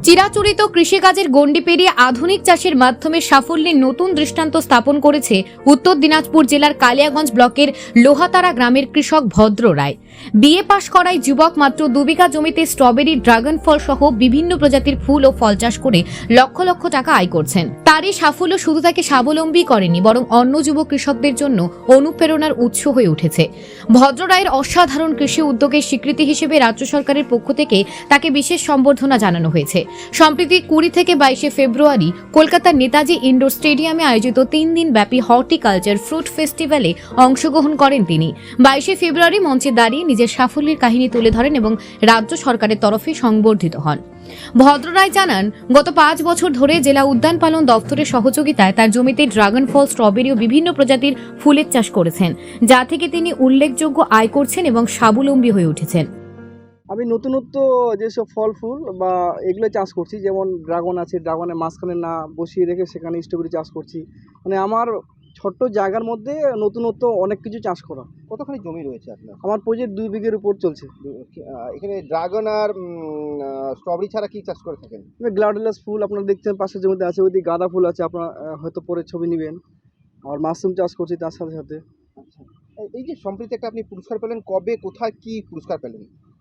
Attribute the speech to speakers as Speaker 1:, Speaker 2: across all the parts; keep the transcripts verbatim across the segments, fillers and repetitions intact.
Speaker 1: চিরাচরিত কৃষিকাজের গণ্ডি পেরিয়ে আধুনিক চাষের মাধ্যমে সাফল্যের নতুন দৃষ্টান্ত স্থাপন করেছে উত্তর দিনাজপুর জেলার কালিয়াগঞ্জ ব্লকের লোহাতারা গ্রামের কৃষক ভদ্র রায়। বিএ পাশ করায় যুবক মাত্র দু বিঘা জমিতে স্ট্রবেরি, ড্রাগন ফল সহ বিভিন্ন প্রজাতির ফুল ও ফল চাষ করে লক্ষ লক্ষ টাকা আয় করছেন। তার এই সাফল্য শুধু তাকে স্বাবলম্বী করেনি, বরং অন্য যুব কৃষকদের জন্য অনুপ্রেরণার উৎস হয়ে উঠেছে। ভদ্র রায়ের অসাধারণ কৃষি উদ্যোগের স্বীকৃতি হিসেবে রাজ্য সরকারের পক্ষ থেকে তাকে বিশেষ সম্বর্ধনা জানানো হয়েছে। সম্প্রতি কুড়ি থেকে বাইশে ফেব্রুয়ারি কলকাতার নেতাজি ইন্ডোর স্টেডিয়ামে আয়োজিত তিন দিন ব্যাপী হর্টিকালচার ফ্রুট ফেস্টিভ্যালে অংশগ্রহণ করেন তিনি। বাইশে ফেব্রুয়ারি মঞ্চে দাঁড়িয়ে নিজের সাফল্যের কাহিনী তুলে ধরেন এবং রাজ্য সরকারের তরফে সংবর্ধিত হন। ভদ্র রায় জানান, গত পাঁচ বছর ধরে জেলা উদ্যান পালন দপ্তরের সহযোগিতায় তার জমিতে ড্রাগন ফল, স্ট্রবেরি ও বিভিন্ন প্রজাতির ফুলের চাষ করেছেন, যা থেকে তিনি উল্লেখযোগ্য আয় করছেন এবং স্বাবলম্বী হয়ে উঠেছেন।
Speaker 2: আমি নতুনত্ব যেসব ফল ফুল বা এগুলো চাষ করছি, যেমন ড্রাগন আছে, ড্রাগনের মাঝখানে না বসিয়ে রেখে সেখানে স্ট্রবেরি চাষ করছি। মানে আমার ছোট্ট জায়গার মধ্যে নতুনত্ব অনেক কিছু চাষ করা।
Speaker 3: কতখানি জমি রয়েছে আপনার?
Speaker 2: আমার প্রজেক্ট দুই বিঘের উপর চলছে।
Speaker 3: আহ, এখানে ড্রাগন আর স্ট্রবেরি ছাড়া কি চাষ করে থাকেন?
Speaker 2: গ্লাডিওলাস ফুল আপনারা দেখছেন পাশের জমিতে আছে, ওইদিকে গাঁদা ফুল আছে, আপনারা আহ, হয়তো পরে ছবি নেবেন। আর মাশরুম চাষ করছি তার সাথে সাথে।
Speaker 3: আচ্ছা, এই যে সম্প্রতি একটা আপনি পুরস্কার পেলেন, কবে, কোথায়, কি পুরস্কার পেলেন?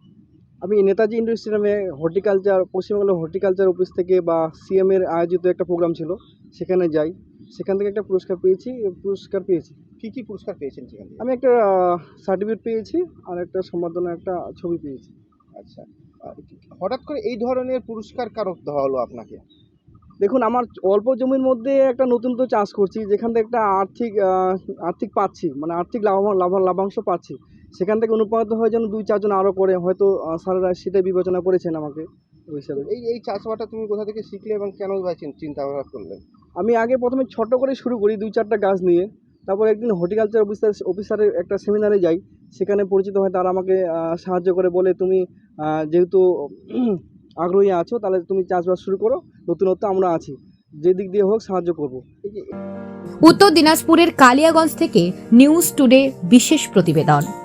Speaker 2: আমি নেতাজি ইন্ডোর স্টেডিয়ামে হর্টিকালচার, পশ্চিমবঙ্গের হর্টিকালচার অফিস থেকে বা সিএম এর আয়োজিত একটা প্রোগ্রাম ছিল, সেখানে যাই। সেখান থেকে একটা পুরস্কার পেয়েছি পুরস্কার পেয়েছি
Speaker 3: কি কি পুরস্কার পেয়েছেন সেখান থেকে?
Speaker 2: আমি একটা সার্টিফিকেট পেয়েছি আর একটা সম্বর্ধনা, একটা ছবি পেয়েছি।
Speaker 3: আচ্ছা, আহ, হঠাৎ করে এই ধরনের পুরস্কার কারো দেওয়া হলো আপনাকে?
Speaker 2: দেখুন, আমার অল্প জমির মধ্যে একটা নতুন তো চাষ করছি, যেখান থেকে একটা আর্থিক আহ, আর্থিক পাচ্ছি, মানে আর্থিক লাভ লাভ লাভাংশ পাচ্ছি। সেখান থেকে অনুপ্রাণিত হয় যেন দুই চারজন আরও করে, হয়তো আহ, স্যারেরা সেটাই বিবেচনা করেছেন আমাকে ওই হিসাবে।
Speaker 3: এই এই চাষবাসটা তুমি কোথা থেকে শিখলে এবং কেন ভাই চিন- চিন্তা ভাবনা করলেন?
Speaker 2: আমি আগে প্রথমে ছোট করে শুরু করি, দুই চারটা গাছ নিয়ে। তারপর একদিন হর্টিকালচার অফিসার অফিসারের একটা সেমিনারে যাই, সেখানে পরিচিত হয়, তারা আমাকে আহ, সাহায্য করে, বলে তুমি আহ, যেহেতু উম, আগ্রহী আছো, তাহলে তুমি চাষবাস শুরু করো, নতুনত্ব আমরা আছি, যে দিক দিয়ে হোক সাহায্য করবো।
Speaker 1: উত্তর দিনাজপুরের কালিয়াগঞ্জ থেকে নিউজ টুডে বিশেষ প্রতিবেদন।